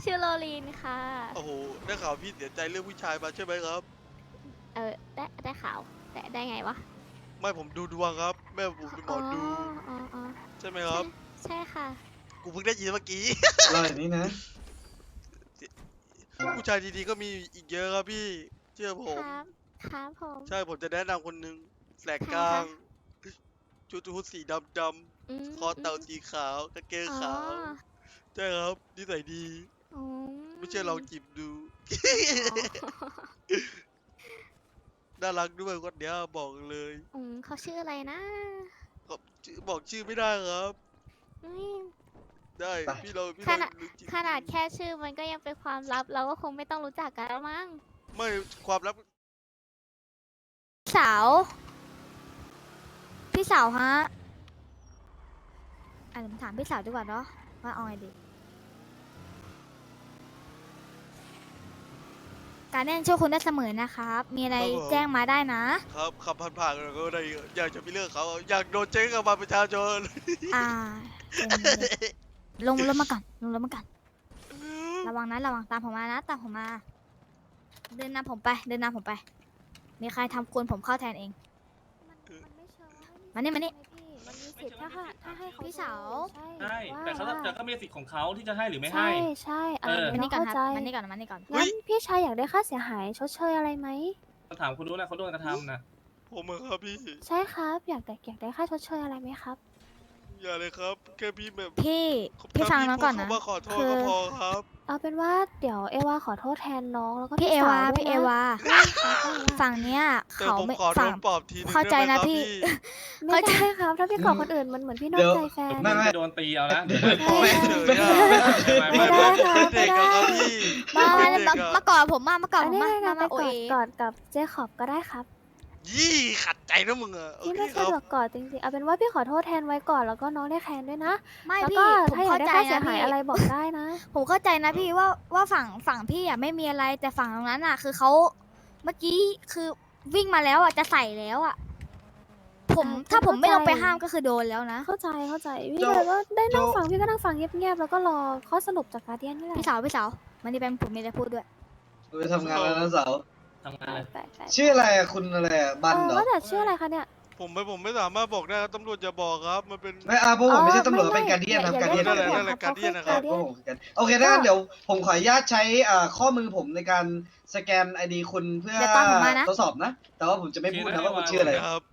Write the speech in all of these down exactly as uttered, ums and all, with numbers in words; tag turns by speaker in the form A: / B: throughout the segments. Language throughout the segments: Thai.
A: ชื่อโรลีนค่ะ
B: โอ้โหได้ข่าวพี่เสียใจเรื่องผู้ชายมาใช่ไหมครับ
A: เออได้ได้ข่าวแต่ได้ไงวะ
B: ไม่ผมดูดวงครับ แม่ผมเป็นหม
A: อ๋อ
B: อดู
A: อ๋ออ๋อ
B: ใช่ไหมค
A: ใช่
B: รับ
A: ใช่ค่ะ
B: กูเพิ่งได้ยินเมื่อกี้
C: อร่อยนี้นะ
B: ผู้ชายดีๆก็มีอีกเยอะครับพี่เชื่อผ
A: ค
B: ม
A: รับครับผม
B: ใช่ผมจะแนะนำคนหนึ่งแสก
A: ใคร
B: กลา
A: คะ
B: งชุดฮูดสีดำด
A: อื
B: ำ
A: ม
B: คอ
A: อืม
B: เต่าสีขาวกางเกง
A: อ๋อ
B: ขาวใช่ครับนิสัยดี
A: อื
B: ไม่เชื่อลองจีบดู
A: อ๋อ
B: น่ารักด้วยคนเนี้ยบอกเลย
A: อืมเขาชื่ออะไรนะ
B: ก็ชื่อบอกชื่อไม่ได้ครับ
A: อืม
B: ได้
C: ไป
B: พี่เราพี่
A: ขนาด
B: เรารู้จิต
A: ขนาดแค่ชื่อมันก็ยังเป็นความลับเราก็คงไม่ต้องรู้จักกันแล้วมั้ง
B: ไม่ความลับ
A: สาวพี่สาวฮะอ่ะผมถามพี่สาวดีกว่าเนาะว่าเอาไงดีการเล่นช่วยคุณได้เสมอนะครับ มีอะไรแจ้งมาได้นะครับ
B: ขับผ่านๆกันก็ได้อยากจะไปเลือกเขาอยากโดนเจ๊งกับบัตรประชาชน
A: อ่าเป็นลงรถมาก่อนลงรถมาก่อนระวังนะระวังตามผมมานะตามผมมา เดินนำผมไป เดินนำผมไป มีใครทำควรผมเข้าแทนเอง มานี่มานี่
D: มันมีสิทธิ์ถ้าให้ถ้าให้เขา
A: พี่สาว
D: ใช่
E: ใช่แต่เขา
D: ว่า
E: แต่ก็มีสิทธิ์ของเขาที่จะให้หรือไม่ให้
D: ใช่ใช่อะ
E: เอ
D: ไร
E: อ
A: มา
D: น้อ
A: นี่
D: ง
A: ก่อน
D: เข้า
A: ครับ
D: ใจ
A: มานี่ก่อนมานี่ก่อน
D: งั้นพี่ชายอยากได้ค่าเสียหายชดเชยอะไรไหม
E: ต้องถามคุณรู้นะเขาโดนกระทำนะ
B: ผมอะครับพี่
D: ใช่ครับอยากแต่อยากได้ค่าชดเชยอะไรไหมครับ
B: อย่าเลยครับแค่พี่แบบ
A: พี่พี่ฟังน้องก่อนนะ
B: ถ้าพี่พูดคำว่าขอโทษ
D: คือ
B: ก็พอครับ
D: เอาเป็นว่าเดี๋ยวเอวาขอโทษแทนน้องแล้วก็
A: พี่เอ
D: ส
A: วา
D: ด้ย
A: พี่เอ
D: นะ
A: วา
D: ได้ครับได้ครับ
A: ฝั่งเนี้ย
B: แต่
A: เขา
B: ผม
A: ไม่
B: ขอโด
A: ฝั่ง
B: นปลอบทีนึง
A: เข้าใจ
B: ได้ไหม
A: นะครับ พี่
D: ไม่ได้ครับถ้าพี่ขอคนอื่นมันเหมือนพี่นอกใจแฟน
C: ไม่ไม่
E: จะโดนตีเอานะเดี๋ยว
B: ไม่
E: นะ
B: เฉยอะ
D: ไม่
B: ไม่
D: ได้
B: ไม่
D: ครับ
B: เด็ก
D: ไม่
B: อะ
D: ได้
B: ครับพี่
A: มา
B: เป็น
A: มา
B: เด็กอะ
A: มากอดผมมา มากอด
D: อั
A: ผ
D: น
A: ม
D: นี้
A: มา
D: นะ
A: มา
D: ไป
A: มาโอก
D: อด
A: เอก
D: อดกับเจคอบก็ได้ครับ
B: ยี่ขัดใจนะมึงอะโอ
D: พี่
B: เค
D: ไม่
B: ครั
D: สะ
B: บ
D: ดวกกอดจริงๆเอาเป็นว่าพี่ขอโทษแทนไว้ก่อนแล้วก็น้องได้แคนด้วยนะ
A: ไม่
D: แล้ว
A: พี่
D: ก็
A: ผม
D: ถ้าอยาก
A: เข้า
D: ได้
A: ใจ
D: ค่าเสีย
A: นะ
D: หาย
A: พี่
D: อะไรบอกได้นะ
A: ผมเข้าใจนะพี่ว่าว่าฝั่งฝั่งพี่อ่ะไม่มีอะไรแต่ฝั่งตรงนั้นอ่ะ คือเขาเมื่อกี้คือวิ่งมาแล้วอ่ะจะใส่แล้วอ่ะ ผม
D: อ่า
A: ถ้าผมไม่ลงไป
D: เข้าใจ
A: ห้ามก็คือโดนแล้วนะ
D: เข้าใจเข้าใจพี่
C: โจ้
D: เลยก็ได้นั่ง
C: โจ้
D: ฟังพี่ก็นั่งฟังเงียบๆแล้วก็รอข้อสรุปจากการเดียนนี่แหละ
A: พี่สาวพี่สาวมันนี่เป็นผมมีอะไรพูดด้วย
C: ไปทำงานแล้วนะสาว
E: ทำงานเลย
D: ไปไป
C: ชื่ออะไรอะคุณอะไรอะบัน
D: เออ
C: เหรอ
D: ว่าแต่ชื่ออะไรคะเนี่ย
B: ผมไม่ผมไม่สามารถบอกได้ครับตำรวจอย่าบอกครับ มันเป็น
C: ไม่อาพวกผมไม่ใช่ตำรวจ
D: อ๋อ
C: เป็นการเดียนครับ
D: ไม่
C: การเดียน
D: อย่า
C: การ
D: เรี
C: เดี
D: ย
C: ย
D: ก
C: น
B: นั่นแหละการเดียนนะครับ
D: การเดี
C: พวย กผมกันโอเคถ้างั้นเดี๋ยวผมขออนุญาตใช้อ่าข้อมือผมในการสแกนไอดีคุณเพื่อ
A: เดี๋ยวตามผมมานะ
C: ทดสอบนะ แต่ว่าผมจะไม่พูดนะว่าคุณชื่ออะไร
B: ครับ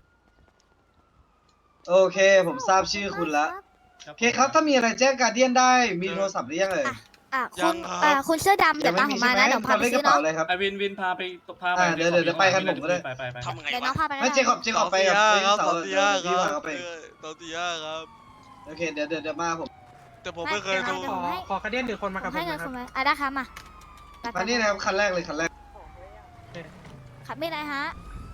C: โอเค ผมทราบชื่อคุณละโอเคครับ ถ้ามีอะไรแจ้งการเดียนได้ มีโทรศัพท์หรือยังเอ่ย
A: อ่ะ
B: ยั
A: คุ
B: ง
A: ณ
B: ครับ
A: อ่าคุณเสื้อดำเดี๋ยวตามผมมานะ
C: ใช่
A: เดี๋ยว
C: ไห
A: พาไป
C: ทำเลขก
A: ซื้อ
C: ระเป๋า
A: เนาะ
C: เลยครับ
E: ไอวินวินพาไปพาไป
C: อ่าเดี๋ยวเดี๋ยวเดี๋ยวไปกันผมก็ได้
E: ไปไปไป
B: ทำไง
A: เดี๋ยวน้อ
B: วะ
A: งพาไปนะ
C: ไม่เจคอบเจค
B: ส
C: อ
B: อบ ง
C: ไป
B: สี่
C: กับ
B: ห้า
C: ไอ้
B: ครับ
C: เสา
B: สองสี่ห้า
C: พี่
B: ค
C: พา
B: รับ
C: เขาไป
B: เออสองสี่ห้าครับ
C: โอเคเดี๋ยวเดี๋ยวเดี๋ยวมาผม
B: แต่ผมไม่เคย
A: ไม่
B: ดู
A: เดี๋ยว
F: ขอ
A: ให้
F: ขอกระเดียนหรือคนมากับ
A: ผ
F: ผม
A: ให้เงิน
F: นะค
A: คุ
F: รับ
A: ณไหมอ่ะได้ครับมาไป
C: มานี่นะครับคันแรกเลยคันแรก
A: ขับไม่ไรฮะ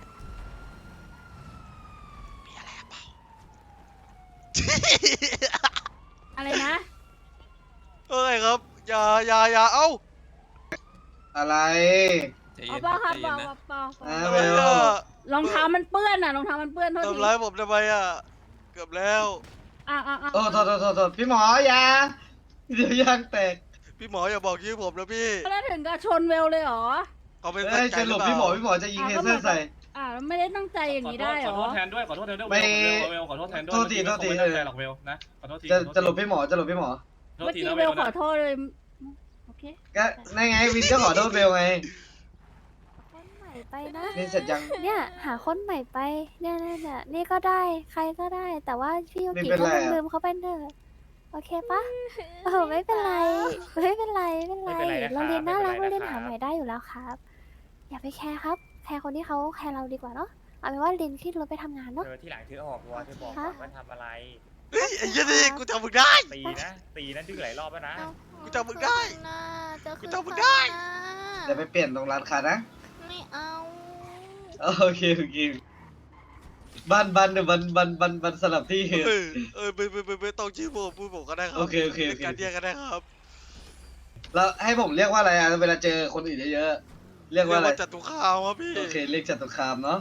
G: อะไรนะ
B: เอ้ยครับอย่าอย่าอย่าเอ้า
C: อะไร
G: เอาเปล่าครับเปล่าเปล่าเปล่า
C: อ่า
B: ทำ
C: เว
B: ไม
C: ล
B: อะ
G: รองเท้ามันเปื้อนอ่ะรองเท้ามันเปื้อนโทษที
B: ทำร้ายผมทำไมอ่ะเกือบแล้ว
G: อ่ะอ่ะอ่ะ
C: โอ้โทษโทษโทษโทษพี่หมออย่าเดี๋ยวยางแตก
B: พี่หมออย่าบอกชื่อผมนะพี่
G: แล้วถึงกับชนเวลเลยเหรอ
B: เขาไม่
C: เอ้
B: ตั้
C: ย
B: งใจ
C: จะ
B: ห
C: หล
B: รือบ เป
C: พี่หมอ
B: ล่า
C: พี่หมอจะยิงเทเซอร์ใส่
G: อ่ะไม่ได้ตั้งใจอย่างนี้ได้เหร
E: ขอ
G: อ
E: โทษแทนด้วยขอโทษแทนด้วย
C: ไม่
E: เวลขอโทษแทนด้วย
C: โทษทีโทษที
E: ไม่ตั้งใจหรอกเวลนะขอโทษที
C: จะจะหลบพี่หมอจะหลบพี่หมอ
E: โทษ
G: เมื่อ
E: ที
G: กี้
E: นะ
G: เว
E: เว
G: ล
E: ล
G: ขอ
E: นะ
G: โทษเลยโอเค
C: ก็นั่นไงวินก็ขอโทษเบลไง
D: คนใหม่ไปนะ
C: นี่เสร็จยัง
D: เนี่ยหาคนใหม่ไปเนี่ยเนี่ยเนี่ยนี่ก็ได้ใครก็ได้ แต่ว่าพี่ยู
C: ไม่
D: กิ
C: เป็น
D: ก็
C: ไรอะ
D: ลืมๆเขาไปเถอะโอเคปะโอ้โหไม่เป็นไรไม่เป็นไรไม่เป็นไรเราเรียนน่ารักเราเรียนหาใหม่ได้อยู่แล้วครับ อย่าไปแคร์ครับแคร์คนที่เขาแคร์เราดีกว่าเนาะเอาเป็นว่าลินขึ้นรถไปทำงานเนาะ
H: เธอที่หลังเธอออกตัวเธอบอกก่อนว่าทำอะไร
B: เฮ้ยไอ้ยี่นี่กูจำมึงได้
H: ตีนะ ตีนะดื้อหลายรอบแล้วนะ
B: กูจำมึงได้
A: จะ
B: กู
A: คืน
B: จำมึงได้
C: เดี๋ยวไปเปลี่ยนตรงร้านค้านะ
A: ไม่เอา
C: โอเคโอเคบ้านบ้านเดี๋ยวบันบันบันบันสลับที่
B: เออเออไม่ไม่ไม่ไม่ต้องชื่อผมพูดผมก็ได้ครับ
C: โอเคโอเคโอเค
B: การเดียกก็ได้ครับ
C: แล้วให้ผมเรียกว่าอะไรอ่ะเวลาเจอคนอื่นเยอะๆเรียกว่าอะไร
B: จัตุคามครับพี่
C: โอเคเรียกจตุคามเนาะ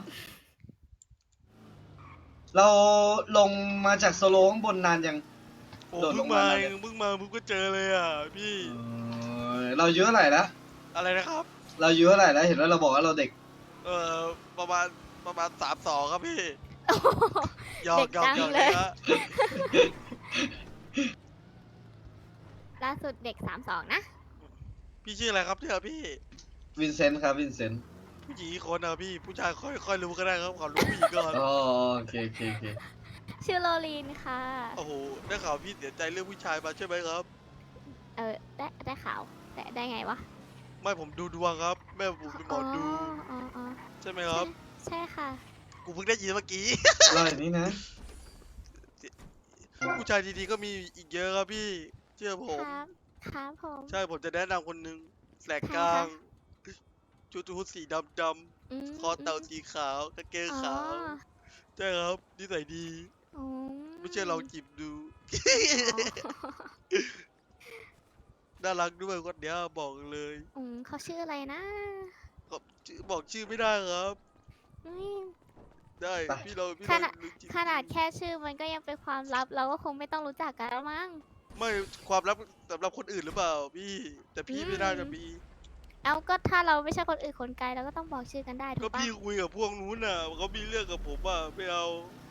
C: เราลงมาจากโซโลข้างบนนานยัง
B: โอ้
C: โดดล
B: เพิ่
C: ง
B: ง
C: มา
B: มา
C: แล้ว
B: เองเพิ่งมาเพิ่งก็เจอเลยอ่ะพี่
C: อืมเราอายุเท่าไหร่แล้ว
B: อะไรนะครับ
C: เราอายุเท่าไหร่แล้วเห็นว่าเราบอกว่าเราเด็ก
B: เอ่อประมาณประมาณสามสองครับพี่หยอ
A: เด็
B: ก
A: ก
B: หยอก
A: จัง
B: หยอก
A: เลย
B: นะ
A: ล่าสุดเด็กสามสองนะ
B: พี่ชื่ออะไรครับเนี่ยพี่
C: วินเซนต์ครับวินเซนต์
B: ผู้หญิงอีกคนนะพี่ผู้ชายค่อยค่อยรู้ก็ได้ครับขอรู้ผู้หญิงก่อน
C: อ๋อโอเคโอเคโอเค
A: ชื่อโรลีนค่ะ
B: โอ้โหได้ข่าวพี่เสียใจเรื่องผู้ชายมาใช่ไหมครับ
A: เออได้ได้ข่าวได้ได้ไงวะ
B: ไม่ผมดูดวงครับ แม่ผมเป็นหมอดู
A: อ๋ออ๋อ
B: ใช่ไหมครับ
A: ใช่ค่ะ
B: กูเพิ่งได้ยินเมื่อกี้
C: เราอย่างนี้นะ
B: ผู้ชายดีๆก็มีอีกเยอะครับพี่ เชื่อผม
A: ครับ ครับผม
B: ใช่ผมจะแนะนำคนหนึ่งแสกกลาง ชุดฮูดสีดำด
A: ม
B: ำคอเต่าสีขาวกางเกง
A: อ๋อ
B: ขาว ใช่ครับนิสัยดี
A: อื
B: ไม่เชื่อลองจีบดู
A: อ๋อ
B: น่ารักด้วยคนเนี้ยบอกเลย
A: อืมเขาชื่ออะไรนะ
B: ก็ชื่อบอกชื่อไม่ได้ครับ
A: อืม
B: ได้
C: ไป
B: พี่เราพี่
A: ข
B: เรา
A: นาด
B: รู้จิต
A: ขนาดแค่ชื่อมันก็ยังเป็นความลับ เราก็คงไม่ต้องรู้จักกันแล้วมั้ง
B: ไม่ความลับสำหรับคนอื่นหรือเปล่าพี่ แต่พี่
A: อืม
B: ไม่น่าจะมี
A: เอาก็ถ้าเราไม่ใช่คนอื่นคนไกลเราก็ต้องบอกชื่อกันได้ถู
B: ก็
A: กปะ
B: พี่คุยกับพวกนู้นน่ะเขามีเรื่องกับผมอ่ะไม่เอา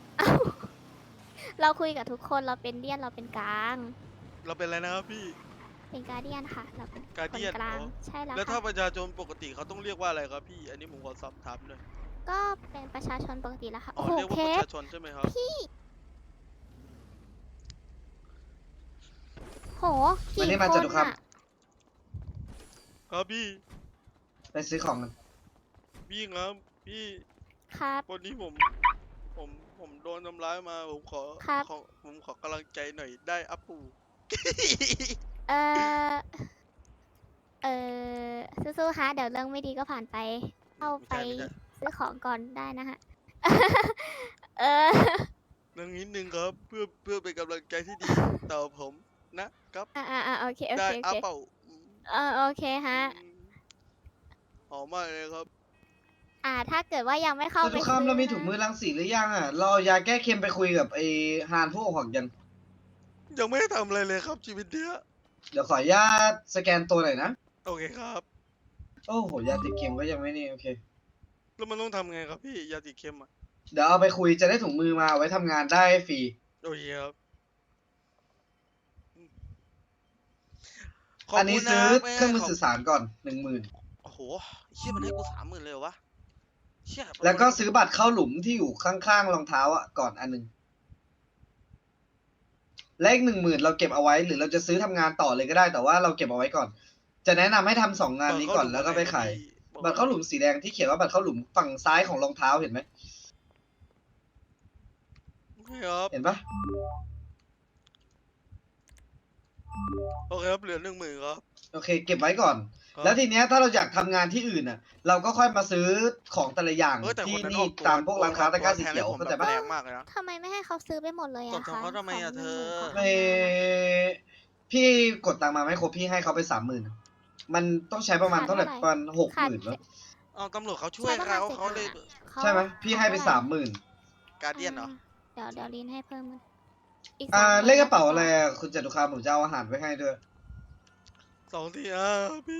A: เราคุยกับทุกคนเราเป็นเดียนเราเป็นกลาง
B: เราเป็นอะไรนะครับพี่
A: เป็นการเดียนค่ะ เราเป็นคน
B: Guardian
A: กลาง
B: อ๋อ
A: ใช่แล้ว
B: แล้วถ้า
A: ค่ะ
B: ประชาชนปกติเขาต้องเรียกว่าอะไรครับพี่ อันนี้ผมขอสอบถามหน่อย
A: ก็เป็นประชาชนปกติแล้วค่ะ
B: อ๋อ
A: โอ้โห
B: เรียกว่า
A: เค
B: ประ
A: ส
B: ชาชนใช่ไหมครับ
A: พี่โห
C: วัน
A: กี่
C: นี้
A: ค
C: มาจ
A: น
C: ตุคาม
A: อะ
B: ครับพี่
C: ไปซื้อของกัน
B: พี่ครับพี่
A: ครับ
B: วันนี้ผม ผมผมโดนทำร้ายมาผมขอ
A: ครับ
B: ขอผมขอกำลังใจหน่อยได้อัปปู
A: เออเออสู้ๆฮะเดี๋ยวเรื่องไม่ดีก็ผ่านไป เข้าไป
B: ไม่ใช่ไม่ใช่
A: ซื้อของก่อนได้นะฮะ เออ
B: เรื่องนิดนึงครับ เพื่อเพื่อเป็นกำลังใจที่ดีต่อผมนะครับ
A: อ่าอ่าโอเคโอ
B: ได้
A: เคโอ
B: อัป
A: เค
B: เปล่า
A: เออโอเคฮะ
B: อืมหอมมากเลยครับ
A: อ่า ถ้าเกิดว่ายังไม่เข้า
C: จ
A: ไป
C: ตุคาม
A: ซื้
C: เรามี
A: นะ
C: ถุงมือรังสีหรือยังอ่ะ เราเอายาแก้เค็มไปคุยกับไอ้ฮานผู้อกหักยัง
B: ยังไม่ได้ทำอะไรเลยครับชีวิตเนี้ย
C: เดี๋ยวขออนุญาตสแกนตัวหน่อยนะ
B: โอเคครับ
C: โอ้โหยาติดเค็มก็ยังไม่นี่โอเค
B: แล้วมันต้องทำไงครับพี่ยาติดเค็มอ่ะ
C: เดี๋ยวเอาไปคุยจะได้ถุงมือมาไว้ทำงานได้ฟรี
B: โอเคครับขบ
C: อันนี้
B: คุณ
C: ซื้อ
B: แม่
C: เครื่องมือ
B: ขบ
C: สื่อสารก่อนหนึ่งหมื่น
B: โอ้โหเชี่ยมันให้กูสามหมื่นเลยเหรอวะเชี่ย
C: แล้วก็ซื้อบัตรเข้าหลุมที่อยู่ข้างๆรองเท้าอ่ะก่อนอันหนึ่งเลขหนึ่งหมื่นเราเก็บเอาไว้ หรือเราจะซื้อทำงานต่อเลยก็ได้แต่ว่าเราเก็บเอาไว้ก่อน จะแนะนำให้ทำสองงานนี้ก่อนแล้วก็ไปขายบัตรเข้าหลุมสีแดงที่เขียนว่าบัตรเข้าหลุมฝั่งซ้ายของรองเท้าเห็นไหม
B: โอเคครับ
C: เห็นปะ
B: โอเคครับเหลือหนึ่งหมื่นครับ
C: โอเค เก็บไว้ก่อน
B: ครับ
C: แล้วทีเนี้ยถ้าเราอยากทำงานที่อื่นอ่ะ เราก็ค่อยมาซื้อของแต่ละอย่าง
B: เออแต่
C: ที่
B: คนนั้น
C: นี่
B: ออกว
C: ตามพวกร้านค้าตะกร้าสี
B: แทน
C: เขียว
B: ให้ผม
C: เข้าใจ
B: แบบ
C: ปะ
B: แรงมากเลยนะ
A: ทำไมไม่ให้เขาซื้อไปหมดเลย
B: ต
A: อะ
B: บ
A: คะ
B: เขาทำไมอะ
A: ขง
B: เธอ
A: หนึ่งหมื่นของ
C: ไม่พี่กดตังค์มาไม่ครบพี่ให้เขาไปสามหมื่นมันต้องใช้ประมาณเท่าไหร่ประมาณหกห
A: ขาด
C: มื่นแล้ว
B: เอาตำรวจเขาช่วย
A: ใช่ประมาณ
B: เขา
A: สิบ
B: เขาเลย
A: เขา
C: ใช่ไหมพี่ให้ไปสามหมื่น
B: การเดียนเหรอ
A: เดี๋ยวเดี๋ยวลินให้เพิ่มมันอีก
C: อ่า
A: สามหมื่น
C: เลขกระเป๋าอะไรอะคุณจตุคามผมจะเอาอาหารไปให้ด้วย
B: สองทีอ่ะพี่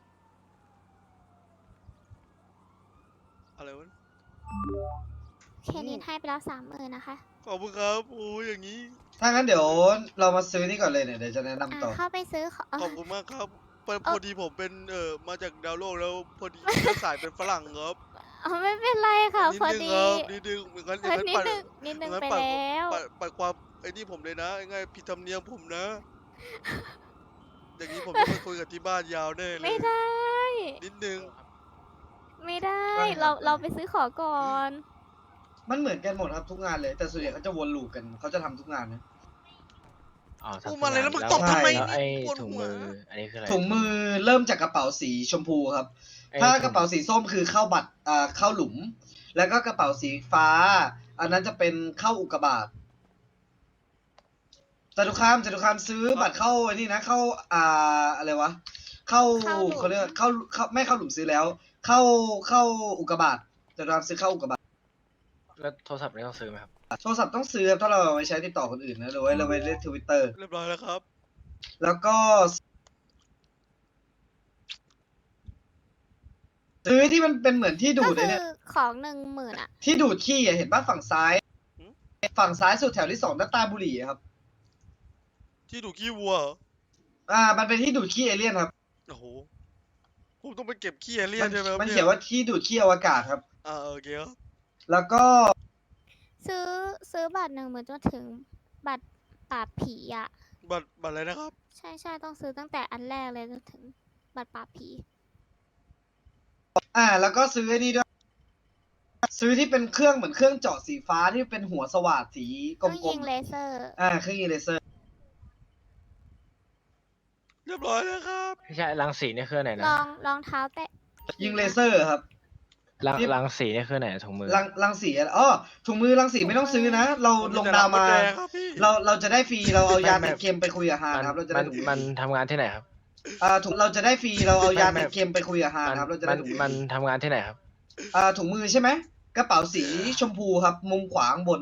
B: อะไรวะ
A: เคลินให้ไปแล้วสามหมื่นนะคะ
B: ขอบคุณครับโอ้ยอย่างนี้
C: ถ้างั้นเดี๋ยวเรามาซื้อนี่ก่อนเลยเนี่ยเดี๋ยวจะแนะนำ
A: อ่า
C: ต่อ
A: เข้าไปซื้อของ
B: ขอบคุณมากครับพอ
A: เอ่
B: พ
A: อ
B: อดีผมเป็นเอ่อมาจากดาวโลกแล้วพอดีเชื้อสายเป็นฝรั่งครับ
A: อ๋อไม่เป็นไรค่ะ
B: นิด
A: พอ
B: นึง
A: ดี
B: ครับนิดนึงเหมือนกันอย่างนั้น
A: นิด
B: ปัด
A: นึงนิดนึง
B: อย่าง
A: ไป
B: ปัด
A: แล้ว
B: ปัดปัดความไอ้นี่ผมเลยนะง่ายผิดธรรมเนียมผมนะ อย่างนี้ผมต้องไปคุยกับที่บ้านยาวแน่เลย
A: ไม่ได้
B: นิดนึง
A: ไม่ได้
C: ไม่
A: เราเราไปซื้อของก่อน
C: มันเหมือนกันหมดครับทุกงานเลย แต่ส่วนใหญ่เขาจะวนลูปกันเขาจะทำทุกงานนะ
H: อ๋อ
B: พูด
H: ทำ
B: มาเลยแล้วมึง
H: งาน
B: ตบทำไม
H: แล้วไอ้
B: ปวด
H: ถุง
B: หัว
H: มือ อันนี้คืออะไร
C: ถุงมือเริ่มจากกระเป๋าสีชมพูครับ
H: ไอ้
C: ถ้า
H: ถุง
C: กระเป๋าสีส้มคือเข้าบัตรอ่าเข้าหลุม แล้วก็กระเป๋าสีฟ้า อันนั้นจะเป็นเข้าอุกกาบาตจตุคามจตุคามซื้อบัตรเข้าไอ้นี่นะ เข้าอ่าอะไรวะ เข้า
A: เข้าหลุม
C: เขาเรียกว่าเข้าเข้าไม่เข้าหลุมซื้อแล้ว เข้าเข้าอุกกาบาตจตุคามซื้อเข้าอุกกาบาต
H: แล้วโทรศัพท์นี่ต้องซื้อไหมครับ
C: โทรศัพท์ต้องซื้อครับถ้าเราเอาไว้ใช้ติดต่อคนอื่นนะหรือไว้เราไว้เล่นทวิตเตอร์
B: เรียบร้อยแล้วครับ
C: แล้วก็ซื้อที่มันเป็นเหมือนที่ดู
D: ก็
C: ดเล
D: คื
C: ย
D: อ
C: เนี่ย
D: ของหนึ่งหมื่นอะ
C: ที่ดูดขี้อะเห็นป่ะฝั่งซ้าย ฝั่งซ้ายสุดแถวที่สองหน้าตาบุหรี่อะครับ
B: ที่ดูขี้วัวเหรอ
C: อ่า มันเป็นที่ดูดขี้เอเลี่ยนครับ
B: โอ้โหผมต้องไปเก็บขี้เอเลี่ย
C: มัน น
B: ใช่ไหมครับ
C: มัน
B: เนี่
C: เขียนว่าที่ดูดขี้อวกาศครับ
B: อ่าโอเคครับ
C: แล้วก็
D: ซื้อซื้อบัตรหนึ่งหมื่นจนถึงบัตรปราบผีอะ
B: บัตรบัตรอะไรนะครับ
D: ใช่ใช่ต้องซื้อตั้งแต่อันแรกเลยจนถึงบัตรปราบผี
C: อ่า แล้วก็ซื้อไอ้นี่ด้วย ซื้อที่เป็นเครื่องเหมือนเครื่องเจาะสีฟ้าที่เป็นหัวสว่านสีก
D: ต้อง
C: ล
D: ยิ
C: ม
D: งเลเซอร์
C: ๆ อ่า เครื่องยิงเลเซอร์
B: เรียบร้อยแล้วครับ
H: ไม่ใช่รังสีนี่คือไหน
D: ล
H: นะ
D: องรองเท้าแตะ
C: ยิงเลเซอร์ครับ
H: รัง
C: ที่
H: รังสีนี่คือไหนถุงมือ
C: รังรังสีอะไรอ๋อถุงมือรังสีไม่ต้องซื้อนะ เรา
B: ผม
C: ลง
B: แต่
C: ดาว
B: รั
C: มา
B: มดแดงครับพี่
C: เราเราจะได้ฟรี เราเอายา
H: ไม่
C: ติ
H: ไม่
C: ดเค็มไปคุยกับฮาน
H: มัน
C: ครับ เราจะ
H: มั
C: ได้
H: น
C: ถุงมือ
H: มันทำงานที่ไหนครับ
C: อ่าถุงเราจะได้ฟรี เราเอายา
H: ไม่
C: ติ
H: ไม่
C: ดเค็มไปคุยกับฮาน
H: มัน
C: ครับ เราจะ
H: มั
C: ได้
H: น
C: ถุงมือ
H: มันทำงานที่ไหนครับ
C: อ่าถุงมือใช่ไหม กระเป๋าสีชมพูครับ มุมขวาข้างบน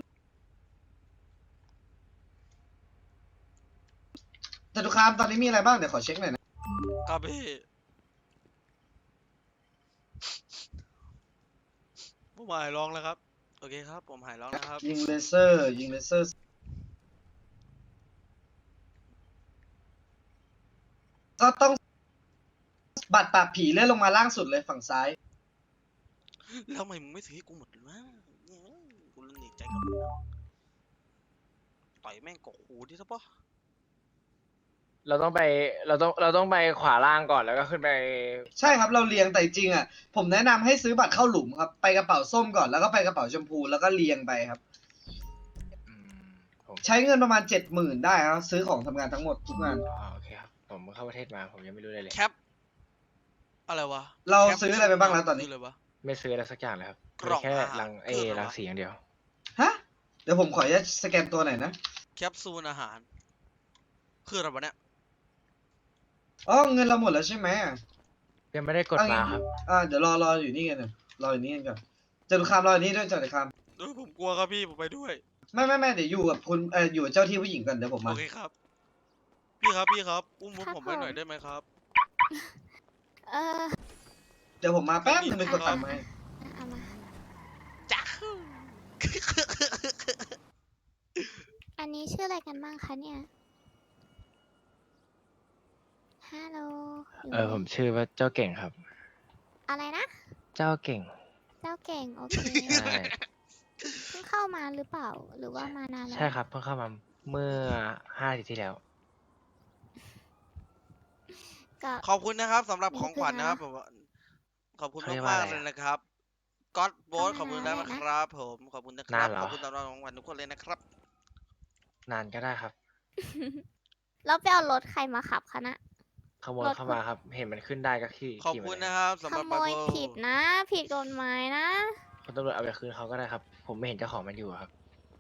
C: จตุคามตอนนี้มีอะไรบ้าง เดี๋ยวขอเช็คหน่อยนะ
B: ครับพี่ผมหายร้องแล้วครับ โอเคครับ ผมหายร้องแล้วครับ
C: ยิงเลเซอร์ ยิงเลเซอร์ ก็ต้องบัตรปราบผีเลื่อนลงมาล่างสุดเลยฝั่งซ้าย
B: แล้วทำไมมึงไม่ซื้อให้กูหมดเลยวะกูเล่นหนีใจกับมึงแล้วต่อยแม่งกกหูดิซะปะ
H: เราต้องไปเราต้องเราต้องไปขวาล่างก่อนแล้วก็ขึ้นไป
C: ใช่ครับเราเรียงแต่จริงอ่ะผมแนะนำให้ซื้อบัตรเข้าหลุมครับ ไปกระเป๋าส้มก่อนแล้วก็ไปกระเป๋าชมพูแล้วก็เรียงไปครับ
H: อืมผม
C: ใช้เงินประมาณเจ็ดหมื่นได้ครับซื้อของทำงานทั้งหมดทุกงาน
H: อ๋อโอเคครับผมเข้าประเทศมาผมยังไม่รู้เลยเลย
B: แคปอะไรวะ
C: เรา
B: แคป
C: ซื้ออะไรไปบ้างแล้วตอนนี้
B: คืะไรวะ
H: ไม่ซื้ออะไรสักอย่างเลยครับ
B: กล่อง
H: มีแค่
B: อาหาร
H: รังเอ
B: คืออะไรวะ
H: รังสีอย่างเดียว
C: ฮะเดี๋ยวผมขออนุญาตสแกนตัวหน่อยนะ
B: แคปซูลอาหาร คืออะไรวะเนี่ย
C: อ๋อเงินเราหมดแล้วใช่ไหม
H: ยังไม่ได้กด
C: เอางี้
H: มาครับ
C: อ่าเดี๋ยวรอรออยู่นี่กันนะรออยู่นี่กันก่อนจตุคามรออยู่นี่ด้วยจตุคาม
B: เออผมกลัวครับพี่ ผมไปด้วย
C: ไม่ไม่ไม่เดี๋ยวอยู่กับคุณเอออยู่กับเจ้าที่ผู้หญิงก่อนเดี๋ยวผม
B: โอ
C: มา
B: เคครับ พี่ครับพี่ครับ อุ้มพวก
D: ครับ
B: ผมไปหน่อย
D: ผม
B: ได้ไหมครับ
D: เออ
C: เดี๋ยวผมมาแป๊บนึงไปกดตังค์มาให้
D: เอามา
B: จ้า
D: อันนี้ชื่ออะไรกันบ้างคะเนี่ย ฮัลโหล
H: เออผมชื่อว่าเจ้าเก่งครับ
D: อะไรนะ
H: เจ้าเก่ง
D: เจ้าเก่ง โอเค
H: ใช่
D: เพิ่งเข้ามาหรือเปล่า หรือว่ามานานแล้ว
H: ใช่ครับเพิ่งเข้ามาเมื่อห้าอาทิตย์ที่แล้ว
D: ก็
B: ขอบคุณนะครับสำหรับ
D: นี่
B: ของขวัญนะครับ
D: คือ
B: ผมว่าขอบคุณ
H: เขาเรียก
B: มาก
H: ว่า
B: ๆ
H: อะไร
B: เลย
H: อะ
B: นะครับก็อดโบส
D: เข้ามา
B: ขอบคุณนะ
D: แล้วนะ
B: ครับ ผมขอบคุณนะครั
H: นา
B: บ
H: นเหรอ
B: ขอบคุณสำหรับของขวัญทุกคนเลยนะครับ
H: นานก็ได้ครับ
D: แล้วไปเอารถใครมาขับคะนะ
H: ขโมย
D: รถ
H: เข้ามาครับ เห็นมันขึ้นได้ก็ขี่
B: ขอบ
H: ขี่
B: คุ
H: มา
B: ณ
H: เลย
B: นะครับสำ
D: ข
B: หรับ
D: โมย
B: Bible
D: ผิดนะ ผิดกฎหมายนะ
H: คุณตำรวจเอาไปคืนเขาก็ได้ครับ ผมไม่เห็นเจ้าของมันอยู่ครับ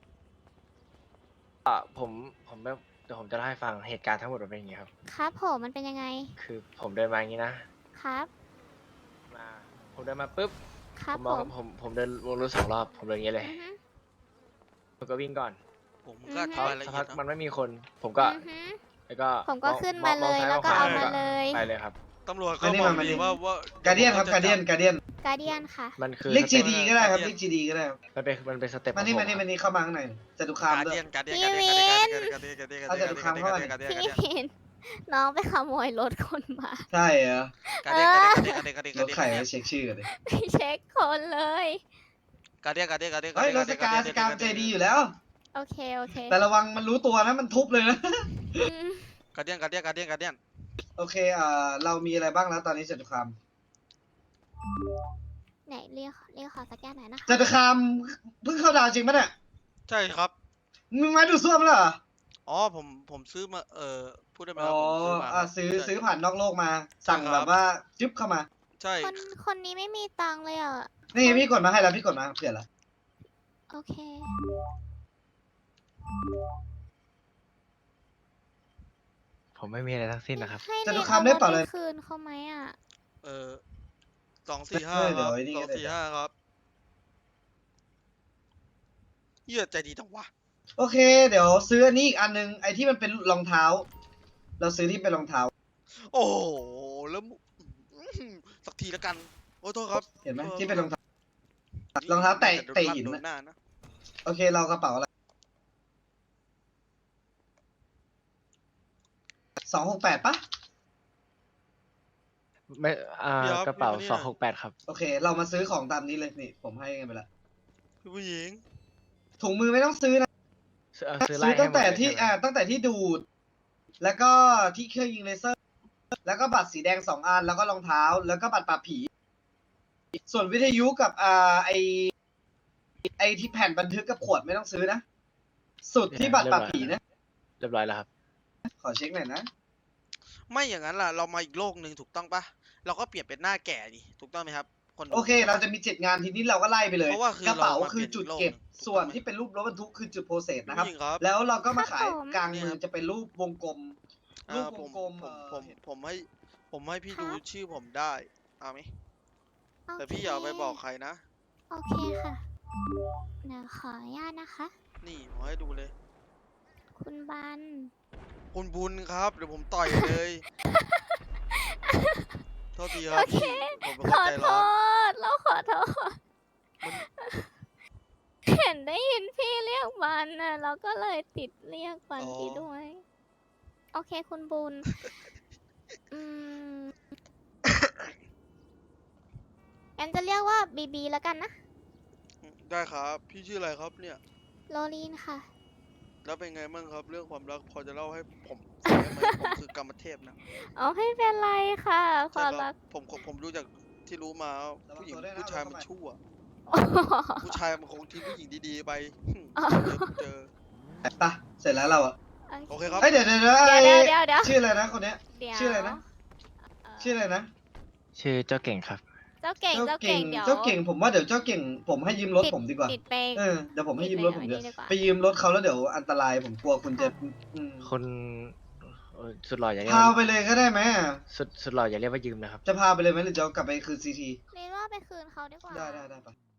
H: อ่าผมผมแบบเดี๋ยวผมจะเล่าให้ฟังเหตุการณ์ทั้งหมดมันเป็นอย่างนี้ครับ
D: ครับผมมันเป็นยังไง
H: คือผมเดินมาอย่างนี้นะ
D: ครับ
H: มาผมเดินมาปุ๊บ
D: ครั
H: ผ
D: บ
H: ม
D: ผม
H: องผมผมเดินวนรถสองรอบผมเดินอย่างนี้เลย
D: อือฮึ
H: ผมก็วิ่งก่อน
B: ผมก็อธิ
H: พอบ
B: ายละ
H: สัก
B: เอี
H: พั
B: ย
H: ก
B: ด
H: มัน
B: นะ
H: ไม่มีคน ผมก็
D: อือฮึ
H: แล้วก็
D: ผมก็
H: อง
D: ขึ้น
H: ม
D: มา
H: อง
D: เลย
H: ซ้
D: แล้วก็
H: ม
D: เอา
H: ข
D: มาเลย
H: ไปเลยครับ
B: ตำรวจ
C: มา
B: ก็
C: นี่
B: บอ
C: มาก มานี่
B: ดีว่าว่า
C: การเดียนครับการเดียนการเดียน
D: การเดียนค่ะ
H: มันคือ
C: เรียก
H: ส
C: จี
H: เต็ป
C: ดีก็ได้ครับเรียกจีดีก็ได้ครับ
H: มันเป็นมันเป็นสเต็ป
C: มานี่
H: ของ
C: มานี่
H: ผ
C: มานี่เข้ามาข้างในจตุคาม
B: การ
C: ด้ว
B: เดี
C: ย
B: ยนการเดียน
D: พี่
B: การเดียนการเดียนการเดียนการเดียนการเดียน
C: เอาแต่ดูคำเข้ามา
B: การเดียน
D: พี่วิน น้องไปขโมยรถคนมา
C: ใช่เหรอ
B: การเดียนการเดียนการเดียนการเดียน
C: ร
B: การ
C: ถ
B: เดียน
C: ไข่มาเช็คชื่อกันเลย
D: ไปเช็คคนเลย
B: การเดียนการเดียนการเดียน
C: เฮ้ยรถสกาสกามใจดีอยู่แล้ว
D: โอเค โอเค
C: แต่ระวังมันรู้ตัวนะมันทุบเลยนะ
D: อืม
B: การเดียนการเดียนการเดียนการเดียน
C: โอเคเอ่อเรามีอะไรบ้างแล้วตอนนี้จตุคาม
D: ไหนเรียกเรียกขอสแกนหน่อยนะคะ
C: จตุคามเพิ่งเข้าดาวจริงปะเนี่ย
B: ใช่ครับ
C: มึงไม้ดูดซ่วมแล้วเหรอ
B: อ๋อผมผมซื้อมาเอ่อพูดได้ไหมค
C: อ๋
B: รั
C: อบ
B: ผมซื้อมา
C: อ่ะซื้อซื้อผ่านนอกโลกมา สั่ง
B: ใช่ค
C: แบ
B: รับ
C: บว่าจึ๊บเข้ามา
B: ใช่
D: คนคนนี้ไม่มีตังค์เลยอ่ะ
C: นี่พี่กดมาให้แล้วพี่กดมาเผื่อละ
D: โอเค
H: ผมไม่มีอะไรทั้งสิ้นนะครับ
D: ให้
C: จตุ
D: เรียก
C: คาม
D: เอา
C: ได้
D: รถ
C: เปล่า
D: ไป
C: เลย
D: คืนเขาไหมอ่ะ
B: เอ่อสองสี่ห้า
C: เออ
B: ค
C: เดี๋ย
B: รั
C: ว
B: บ
C: ไอ้นี่
B: สอ
C: ก็
B: ง
C: ได้
B: สี่ห้าครับเหี้ยใจดีจังวะ
C: โอเค เดี๋ยวซื้ออันนี้อีกอันนึงไอที่มันเป็นรองเท้า เราซื้อที่เป็นรองเท้า
B: โอ้โหแล้วมึอื้อหือสักทีแล้วกันโอ้โทษครับ
C: เห็นไหม
B: โทษ
C: ที่เป็นรองเท้า
B: นี่
C: รองเท้าแตะ
B: โดน
C: เตะ
B: ลั่
C: หิน
B: โด
C: น่ะ
B: หน้านะ
C: โอเคเรากระเป๋าอะไรสองหกแปดปะ
H: ไม่อ่ากระเป๋าสองหกแปดครับ
C: โอเค เรามาซื้อของตามนี้เลยนี่ผมให้กันไปละ
B: พี่ผู้หญิง
C: ถุงมือไม่ต้องซื้อนะ
H: ซื้อเอาซื้อไล่
C: ซื้อ
H: ให้
C: ตั้ง
H: หมด
C: แต่
H: เลย
C: ที่
H: ใช่ไหม
C: อ่าตั้งแต่ที่ดูด แล้วก็ที่เครื่องยิงเลเซอร์ แล้วก็บัตรสีแดงสองอันแล้วก็รองเท้า แล้วก็บัตรปราบผี ส่วนวิทยุกับอ่าไอไอที่แผ่นบันทึกกับขวดไม่ต้องซื้อนะ สุดที่บัตรปราบผีนะ
H: เรียบร้อยแล้วครับ
C: ขอเช็คหน่อยนะ
B: ไม่อย่างนั้นล่ะเรามาอีกโลกหนึ่งถูกต้องปะเราก็เปลี่ยนเป็นหน้าแก่ดิถูกต้องไหมครับคนดู
C: โอเค เราจะมีเจ็ดงานทีนี้เราก็ไล่ไปเลย
B: เพราะว่าคือก
C: ระเป๋า
B: เรามา
C: คือจุด
B: เปลี่ยน
C: เก็บ
B: โลก
C: ส่วน
B: ถูกต้องไหม
C: ที่เป็นรูปรถบรรทุกคือจุดโปรเซส
B: พี่
C: นะครับ
B: ผู้หญิงครับ
C: แล้วเราก็มาขาย
D: ครับผม
C: กลาง
B: เนี่ย
C: มื
B: ค
C: อ
B: รับ
C: จะเป็นรูปวงกลม รู
B: อ่า
C: ป
B: ผ
C: ว
B: ม
C: งกลม
B: ผม
C: เอ่อ
B: ผมผมให้ผมให้พี่
D: ครั
B: ดู
D: บ
B: ชื่อผมได้เอาไหม
D: โอ
B: แต่
D: เค
B: พี่อย่าเอาไปบอกใครนะ
D: โอเคค่ะเดี๋ยวขออนุญาตนะคะ
B: นี่ผมให้ดูเลย
D: คุณบัน
B: คุณบุญครับเดี๋ยวผมต่อยเลย โทษทีครั
D: โอบ เค
B: พี่ผมเป็น
D: ข
B: คน
D: อ
B: ใจ
D: โท
B: ร้อน
D: ษ เราขอโทษ
B: มัน
D: เห็นได้ยินพี่เรียกบันน่ะเราก็เลยติดเรียกบันพี่ด้วย โอเคคุณบุญ อืมงั้นจะเรียกว่าบีบีแล้วกันนะ
B: ได้ครับ พี่ชื่ออะไรครับเนี่ย
D: โรลีนค่ะ
B: แล้วเป็นไงบ้างครับ เรื่องความรักพอจะเล่าให้ผมฟังได้ไหมผมคือกรรมเทพนะ
D: เอาไม่เป็นไรค่ะ ค
B: ใช่
D: วาม
B: ค
D: รั
B: รั
D: ก
B: บผมผมผมรู้จากที่รู้มาว่า
C: ระวัง
B: ผู้หญิง
C: ตัวด้วยนะ
B: ผู้ชาย
C: ระวัง
B: มัน
C: เข้าไป
B: ชั่ว ผู้ชายมันคงทิ้งผู้หญิงดีๆไปหึ
D: อ๋อ
B: เจอเจอ
C: ไปเสร็จแล้วเราอะ
B: โอเคครับ
C: เอ้ยเดี๋ยวเดี๋ยวเดี๋ยว
D: เดี๋ยว
C: ไอ้
D: เดี๋ยวเดี๋ยว
C: ชื่ออะไรนะคนเนี้ย
D: เดี๋ยว
C: ชื่ออะไรนะ
D: เอ่อ
C: ชื่ออะไรนะ
H: ชื่อเจ้าเก่งครับ
D: เจ้าเก่ง เจ้าเก่ง เดี๋ยว
C: เจ้าเก่งผมว่าเดี๋ยวเจ้าเก่ง ผมให้ยืมรถ
D: ติด
C: ผมดีกว่า
D: ติดไป
C: เออเดี๋ยวผมให้ยืมรถผม
D: ติด
C: เดี๋ยว
D: ไปไว้นี่ดีกว่า
C: ไปยืมรถเขาแล้วเดี๋ยวอันตรายผมกลัวคุณจะอืม
H: คนเอ่อสุดหล่ออย่าเรียก
C: พา
H: ว่า
C: ไปเลยก็ได้ไหม
H: สุดสุดหล่ออย่าเรียกว่ายืมนะครับ
C: จะพาไปเลยไหมหรือจะเอากลับไปคืนซีที
D: เรียนว่าไปคืนเขาดีกว่า
C: ได้ได้ได้ปะ